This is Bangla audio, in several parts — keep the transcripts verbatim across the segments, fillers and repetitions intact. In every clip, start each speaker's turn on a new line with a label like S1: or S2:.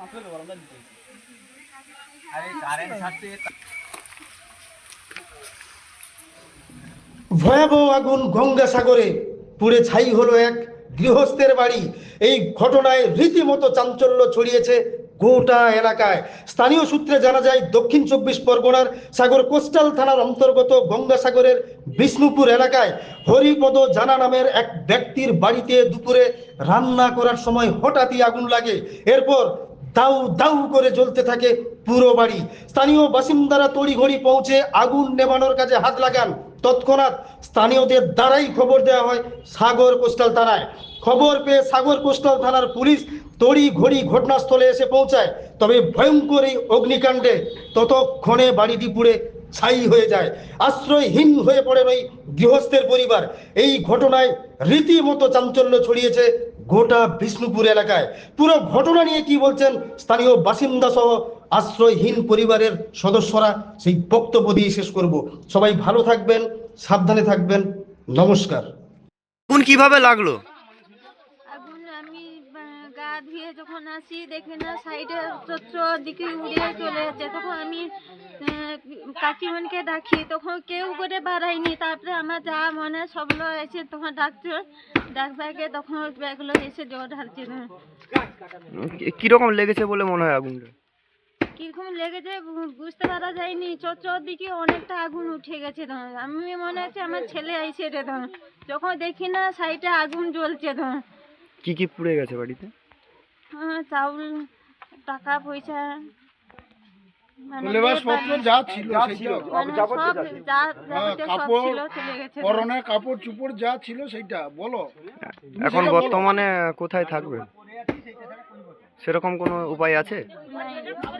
S1: ভয়াবহ আগুন গঙ্গাসাগরে পুড়ে ছাই হলো এক গৃহস্থের বাড়ি। এই ঘটনায় রীতিমতো চাঞ্চল্য ছড়িয়েছে গোটা এলাকায়। স্থানীয় সূত্রে জানা যায়, দক্ষিণ চব্বিশ পরগনার সাগর কোস্টাল থানার অন্তর্গত গঙ্গাসাগরের বিষ্ণুপুর এলাকায় হরিপদ জানা নামের এক ব্যক্তির বাড়িতে দুপুরে রান্না করার সময় হঠাৎই আগুন লাগে। এরপর দাউ দাউ করে জ্বলতে থাকে পুরো বাড়ি। স্থানীয় বাসিন্দারা তড়িঘড়ি পৌঁছে আগুন নেভানোর কাজে হাত লাগান। তৎক্ষণাৎ স্থানীয়দের দ্বারাই খবর দেওয়া হয় সাগর কোস্টাল থানায়। খবর পেয়ে সাগর কোস্টাল থানার পুলিশ তড়ি ঘড়ি ঘটনাস্থলে এসে পৌঁছায়। তবে ভয়ঙ্কর এই অগ্নিকাণ্ডে ততক্ষণে বাড়িটি পুড়ে ছাই হয়ে যায়। আশ্রয়হীন হয়ে পড়েন ওই গৃহস্থের পরিবার। এই ঘটনায় রীতিমতো চাঞ্চল্য ছড়িয়েছে গোটা বিষ্ণুপুর এলাকায়। পুরো ঘটনা নিয়ে কি বলছেন স্থানীয় বাসিন্দা সহ আশ্রয়হীন পরিবারের সদস্যরা, সেই বক্তব্য দিয়ে শেষ করব। সবাই ভালো থাকবেন, সাবধানে থাকবেন। নমস্কার।
S2: আগুন কিভাবে লাগলো?
S3: আগুন আমি আহ, গা ধুয়ে যখন আসি দেখি না সাইডে চত্র দিকে উড়িয়ে চলে যাচ্ছে। তখন আমি আহ, কাকিমণিকে ডাকি, তখন কেউ করে বাড়ায়নি। তারপরে আমার যা মনে সবগুলো এসে তখন ডাকছে, ডাকবাকে তখন ব্যাগগুলো এসে জল ঢালছে।
S2: কি- কিরকম লেগেছে বলে মনে হয় আগুনটা?
S3: কিরকম লেগেছে বু- বুঝতে পারা যায়নি। চত্র দিকে অনেকটা আগুন উঠে গেছে। তখন আমি মনে হচ্ছে আমার ছেলে আইসে রে। তখন যখন দেখি না সাইডে আগুন জ্বলছে। তখন
S2: কি কি পুড়ে গেছে বাড়িতে?
S3: হ্যাঁ, চাউল, টাকা পয়সা, মানে
S4: লেবাসপত্র যা ছিল সেটা,
S3: মানে সব যা যাবতীয় সব
S4: কাপড়,
S3: ছিল চলে গেছে।
S4: পরনের কাপড় চুপড় যা ছিল সেইটা বলো।
S2: এখন বর্তমানে কোথায় থাকবে? সেরকম কোনো উপায় আছে?
S3: নাই,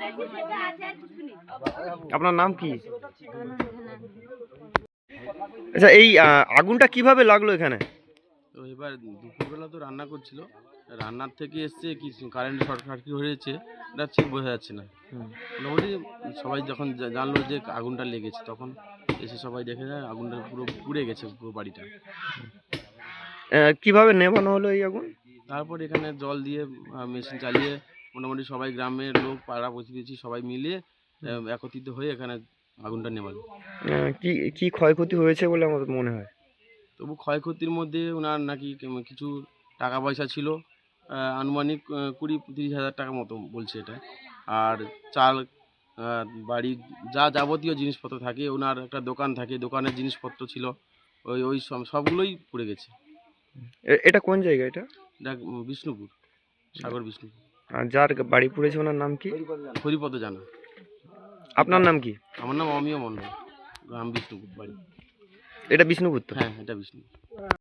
S2: আপনার নাম কি?
S3: আনন্দ না।
S2: আচ্ছা, এই আহ, আগুনটা কিভাবে লাগলো এখানে?
S5: তো এবার দুপুরবেলা তো রান্না করছিল, রান্নার থেকে এসছে কি কারেন্ট শর্ট সার্কিট হয়েছে এটা ঠিক বোঝা যাচ্ছে না। মোটামুটি সবাই যখন জা- জানলো যে আগুনটা লেগেছে, তখন এসে সবাই দেখে যায় আগুনটা পুরো পুড়ে গেছে পুরো বাড়িটা।
S2: আহ, কিভাবে নেভানো হলো এই আগুন?
S5: তারপর এখানে জল দিয়ে মেশিন চালিয়ে মোটামুটি সবাই গ্রামের লোক, পাড়া প্রতিবেশী সবাই মিলিয়ে আহ, একত্রিত হয়ে এখানে আগুনটা নেভালো।
S2: আহ, কি কি ক্ষয়ক্ষতি হয়েছে বলে আমার মনে হয়?
S5: তবু ক্ষয়ক্ষতির মধ্যে ওনার নাকি কেম- কিছু টাকা পয়সা ছিল, আহ, আনুমানিক আহ, কুড়ি তিরিশ হাজার টাকা মতো বলছে এটা। আর চাল, আহ, বাড়ির যা যাবতীয় জিনিসপত্র থাকে, ওনার একটা দোকান থাকে, দোকানের জিনিসপত্র ছিল, ওই ওই সব- সবগুলোই পড়ে গেছে।
S2: এ- এটা কোন জায়গা এটা?
S5: এটা উম, বিষ্ণুপুর, সাগর বিষ্ণুপুর।
S2: আর যার বাড়ি পুড়েছে ওনার নাম কি?
S5: হরিপদ জানা।
S2: আপনার নাম কি?
S5: আমার নাম অমিয় মণ্ডল, গ্রাম বিষ্ণুপুর বাড়ি।
S2: এটা বিষ্ণুপুর তো?
S5: হ্যাঁ, এটা বিষ্ণুপুর।